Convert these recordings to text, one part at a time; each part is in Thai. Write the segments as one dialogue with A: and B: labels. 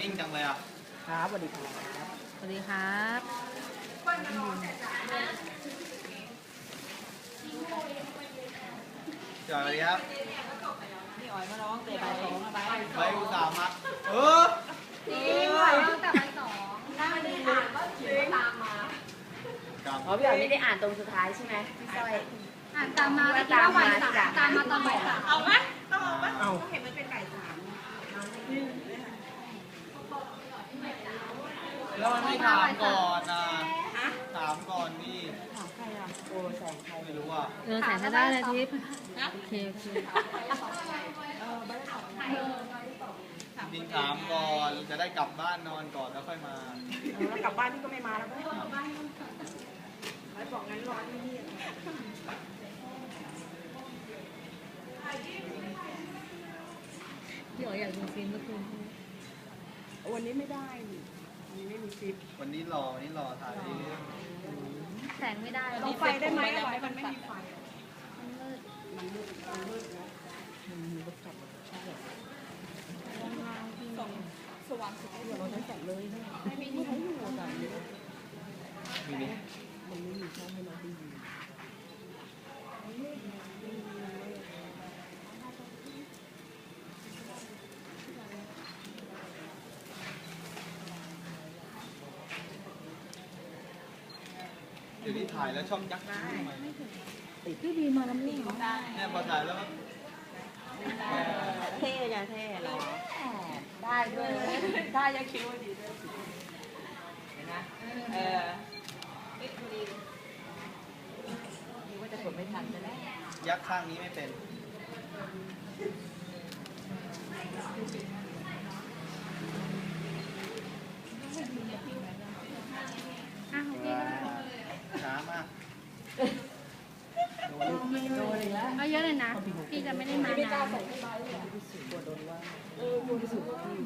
A: นิ่งจังเลยอ่ะ
B: ครับสวัสดีครับ
C: สวัสดีครับ
A: สวัสดีครับ
B: นี่อ๋อยมาร้องเตะบอล2ไป
A: อุตส่าห์มา
C: จริงไหวตั้งแต่วัน2
B: นั่งดีอ่านว่าเขียนตามมาอ๋อพี่อ๋อยไม่ได้อ่านตรงสุดท้ายใช่ไหมพี่สร้อย
C: อ่านตามมาตามมาตามมาตอนบ่ายสาม
D: เอาไหมต้องเอาไหมเขาเห็นมันเป็นไก่สาม
A: แล้วมันไม่ถามก่อนนะถามก่อนนี่
B: ถามใครอ่ะโอ้แสงใคร
A: ไม่รู้อ่ะ
C: แสงก็ได้เลยทิพย์โอเค
A: จริงถามก่อนจะได้กลับบ้านนอนก่อนแล้วค่อยมา
B: แล้วกลับบ้านพี่ก็ไม่มาแล้วไอ้บอกงั้นรอที่นี่
C: พี่อ๋อยอยากดูฟิล์มเมื่อคืน
B: วันนี้ไม่ได้วันนี้ไม่มีฟิล์ม
A: วันนี้รอถ่ายเรื่อง
C: แสงไม่ได้
B: ต้องไฟได้ไหมไฟมันไม่มีไฟมันมืดนะมันมีรถกลับใช่ส่องสว่างสุดเราใช้แสงเลยไม่มีใช้อยู่แต่
A: มีนี่
B: มันไม่มีช่องให้เราดู
A: เดี๋ยวนี้ถ่ายแล้วช่องยักษ์ได้
C: ติดพี่บีมาแล้วนี่
A: เนี่ยพอถ่ายแล้ว
B: เท่ไงเท่หรอได้ด้วยได้ยังคิดว่าดีด้วยเห็นไหมนี่ว่าจะกดไม่ทันจะได้
A: ยักษ์ข้างนี้ไม่เป็นช้ามาก
C: โดนอีกแล้วเอาเยอะเลยนะพี่จะไม่ได้มานาน
B: กลัวโดนว่ากลัวที่สุดที่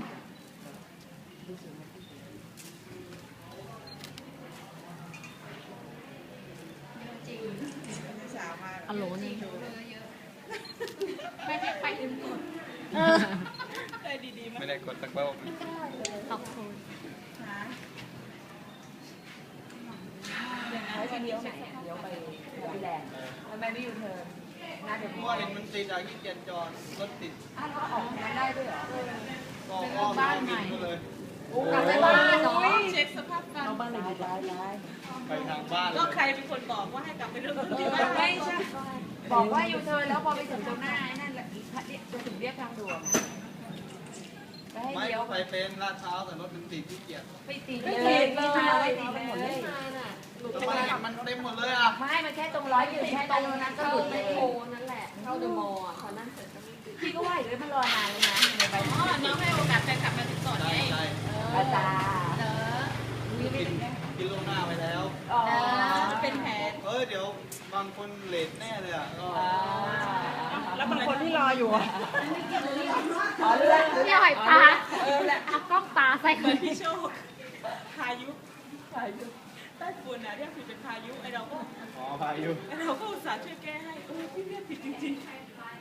C: อโหลนี่ไม่ได้ไปลืมกด
A: ไม่ได้กดสักรอบ
C: ขอบคุณ
B: แล้วจะเลี้ยวไหนเลี้ยวไปแลนด์ทำไมไม่อยู่เธอน่าจะ
A: มั่วเห็นมันติดอะขี้เกียจจอดรถติด
B: เราออกมาได้ด้วยเหรอ
A: ก็บ้านใหม่เลย
B: กลับไปบ้านเนาะ
D: เช็คสภาพการ
B: บ้านเลยย้าย
A: ไปทางบ้าน
D: ก็ใครเป็นคนบอกว่าให้กลับไปเรื่องที่บ้าน
B: ไม่ใช่บอกว่าอยู่เธอแล้วพอไปถึงตรงหน้านั่นแหละจะถึงเรียกทางด่วน
A: ไม่ไปเป็นลาดเช้าแต่รถมันติดขี้เกียจ
B: ไปติดเลยไม่ติดเลย
A: ทำไมมันเต็มหมดเลยอ่ะ
B: ไม่มันแค่ตรงร้อยอยู่แค่ตรงนั้นก็หลุดเลยโนั่นแหละเข้าเดอะมอลล์เขานั่งเสร็จพี่ก็ว่าอยู่เลยมันรอนานเลยนะ
D: อ๋อน้องให้โอกาสแฟนกลับมาติดต่อไง
B: อาจาร
A: กินล่วงหน้าไปแล้ว
D: เป็นแผน
A: เดี๋ยวบางคนเลทแน่เลยอ่ะ
B: แล้วบางคนที่รออยู่อ่ะ
C: พี่หอยตาเอากล้องตาใส่
D: เหมือนพี่โชคพายุใต้ฝุ่นนะเรียกผิดเป็นพายุไอเราก็
A: พายุ
D: ไอเราก็อุตส่าห์ช่วยแก้ให้พี่เรียกผิดจริงๆ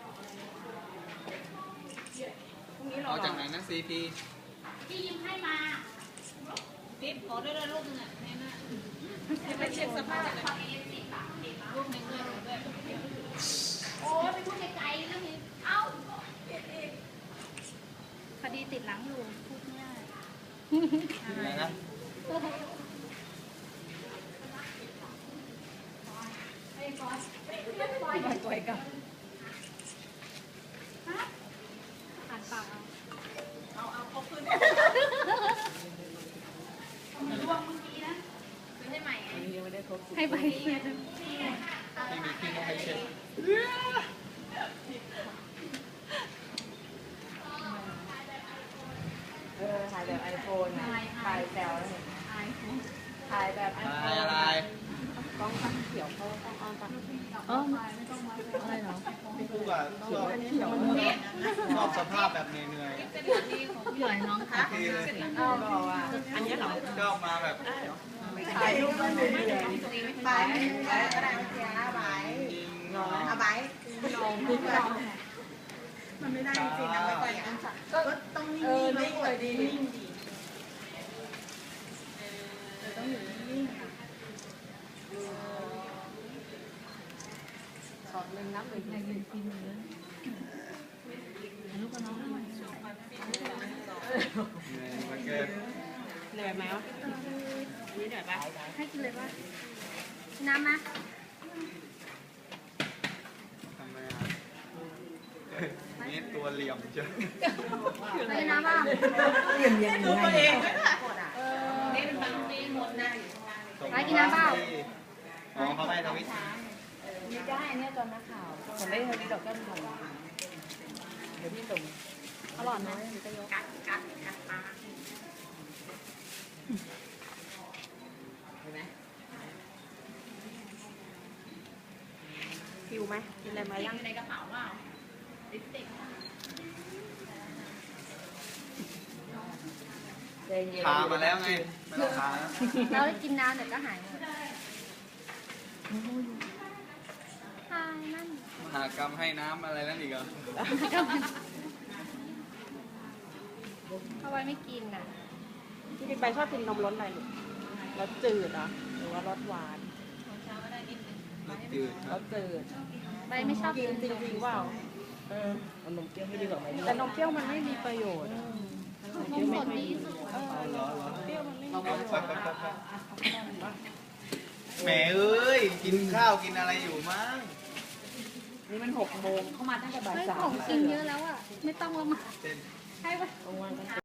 A: เอาจากไหนนะซีพี
C: พี่ยิ้มให้มา
D: ติ๊บขอด้วยรูปนึงอ่ะแม่น่ะไปเช็คสภาพเลยรูปนึงด้วย
C: โอ้ไปพูดไกลๆแล้วมีเอ้าคดีติดหลังอยู่พูดไม่ได้
A: อะไรนะ
B: ตัวเองกับ
C: อ่านปาก
D: เอาขึ้น
C: ร่วงเมื่อกี้นะไม่ให้ใหม่ไง
B: ไม่ได้ครบ
C: ให้ไป
A: ไม่มีที่ให้เช็ด
B: ถ่ายแบบไอโฟนถ่ายแซวแล้วถ่ายแบบไอโฟน
A: อะไร
B: กล้องตั้งเขียวเขาต้องเอาตั้ง
C: อะไรเหรอ
A: คู่กับชอบสภาพแบบเหนื่อย
C: พี่หอยน้องค่ะ
B: บอกว่าอันนี้เหรอ
A: ชอบมาแบบ
B: ถ่ายรูปมันเหนื่อย
D: ไปก็ได้เสียใบเอาใบลงมันไม่ได้จริงนะไม่ไปก็ต้องนิ่งๆไม่เคยดีนิ่งดี
B: ช็อตหนึ่งน้ำหนึ่งในหนึ่งกินเลยลูกกับน้องทำไม
A: มาเกิด
D: เหนื่อยไหมวะนี่เหนื่อยปะ
C: ให้กินเลยป่ะน้ำมา
A: ทำไมอ่ะนี่ตัวเหลี่ยมเจ้า
C: ให้น้ำป่ะ
D: ดูตัวเองนี่เป็นบางทีหมดนะ
C: ไปกินน้ำเปล่า
A: อ๋อเขาให้ทวิต
B: นี่จะให้อันเนี้ยตอนนักข่าวผมได้เท่านี้ดอกแก้มทองเดี๋ยวพี่ส่ง
C: อร่อยไหม
B: เห็นไหม
D: หิวไหมกินอะไรมายังในกระเป๋าเปล่าลิปสติก
B: ใจเย็น
A: ทามาแล้วไงไม่ต้องทานะ
C: เราได้กินน้ำเดี๋ยวก็หายหมดหายนั่น
A: มหากรรมให้น้ำอะไรนั่นอีกเหรอ
C: เอาไว้ไม่กินน่ะ
D: ที่กินไปชอบกินนมรสอะไรลูกรสจืดเหรอหรือว่ารสหวาน
A: รสจืดค
B: ร
A: รับ
B: สจืด
C: ใบไม่ชอบ
D: กิ
C: กิ
D: น
C: น
D: จริงๆเปล่า
B: เอานมเปรี้ยวไม่ดีกว่าไหม
D: แต่นมเปรี้ยวมันไม่มีประโยชน์
C: นมสดดีที่สุด
A: ร้อนร้อน
D: เปรี้ยวมันไม่มี
A: เอาไปแหมเอ้ย กินข้าวกินอะไรอยู่มั้ง
B: นี่มัน6 โมงเข้ามาตั้งแต่บ่าย
C: เฮ้ย
B: สา
C: ขอ
B: ม
C: งกินเยอะแล้วอ่ะ ไม่ต้องละมา
A: เต้น
C: ให้ไป
B: กลางวัน